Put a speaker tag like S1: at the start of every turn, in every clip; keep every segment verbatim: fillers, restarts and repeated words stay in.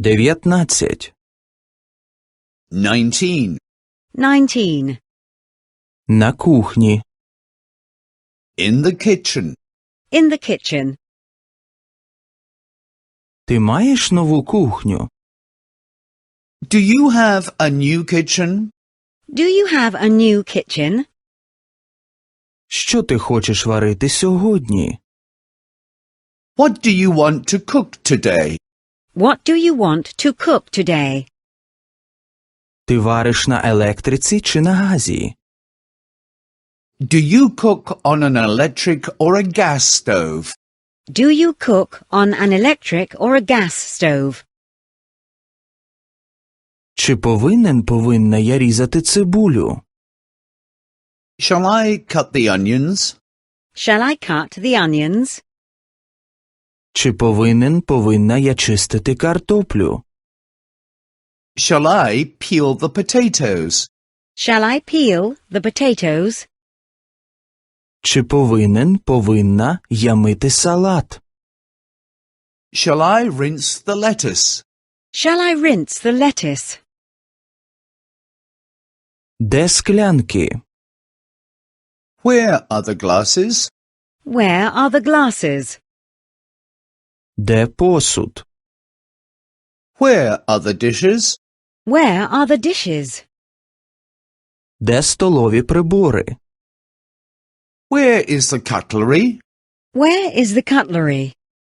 S1: Дев'ятнадцять.
S2: Nineteen.
S3: Nineteen.
S1: На кухні.
S2: In the kitchen.
S3: In the kitchen.
S1: Ти маєш нову кухню?
S2: Do you have a new kitchen?
S3: Do you have a new kitchen?
S1: Що ти хочеш варити сьогодні?
S2: What do you want to cook today?
S3: What do you want to cook today?
S1: Ти вариш на електриці чи на газі?
S2: Do you cook on an electric or a gas stove?
S3: Do you cook on an electric or a gas stove?
S1: Чи повинен повинна я різати цибулю?
S2: Shall I cut the onions?
S3: Shall I cut the onions?
S1: Чи повинен повинна я чистити картоплю?
S2: Shall I peel the potatoes?
S3: Shall I peel the potatoes?
S1: Чи повинен повинна я мити салат?
S2: Shall I rinse the lettuce?
S3: Shall I rinse the lettuce?
S1: Де склянки?
S2: Where are the glasses?
S3: Where are the glasses?
S1: Де посуд?
S2: Where are the dishes?
S3: Where are the dishes?
S1: Де столові прибори?
S2: Where is the cutlery?
S3: Where is the cutlery?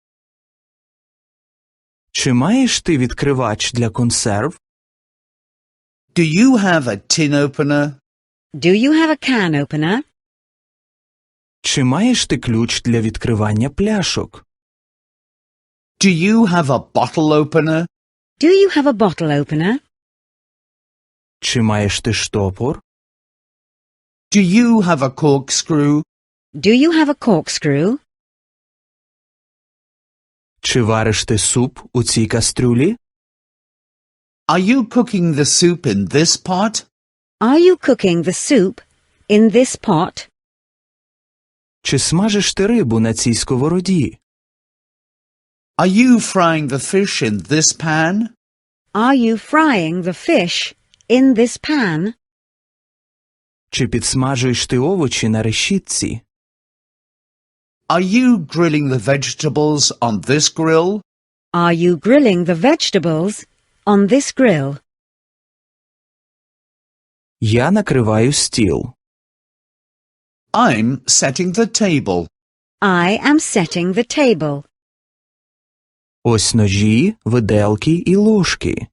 S1: Чи маєш ти відкривач для консерв?
S2: Do you have a tin opener?
S3: Do you have a can opener?
S1: Чи маєш ти ключ для відкривання пляшок?
S2: Do you have a bottle opener?
S3: Do you have a bottle opener?
S1: Чи маєш ти штопор?
S2: Do you have a corkscrew?
S3: Do you have a corkscrew?
S1: Чи вариш ти суп у цій кастрюлі?
S2: Are you cooking the soup in this pot?
S3: Are you cooking the soup in this pot?
S1: Чи смажиш ти рибу на цій сковороді?
S2: Are you frying the fish in this pan?
S3: Are you frying the fish in this pan?
S1: Чи підсмажуєш ти овочі на решітці?
S2: Are you grilling the vegetables on this grill?
S3: Are you grilling the vegetables on this grill?
S1: Я накриваю стіл.
S2: I'm setting the table.
S3: I am setting the table.
S1: Ось ножі, виделки і ложки.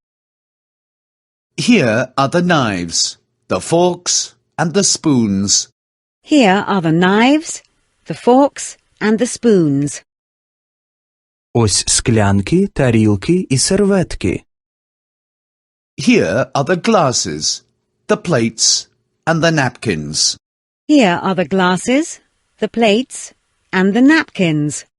S2: Here are the knives, the forks, and the spoons.
S3: Here are the knives, the forks, and the spoons.
S1: Ось склянки, тарілки і серветки.
S2: Here are the glasses, the plates, and the napkins.
S3: Here are the glasses, the plates, and the napkins.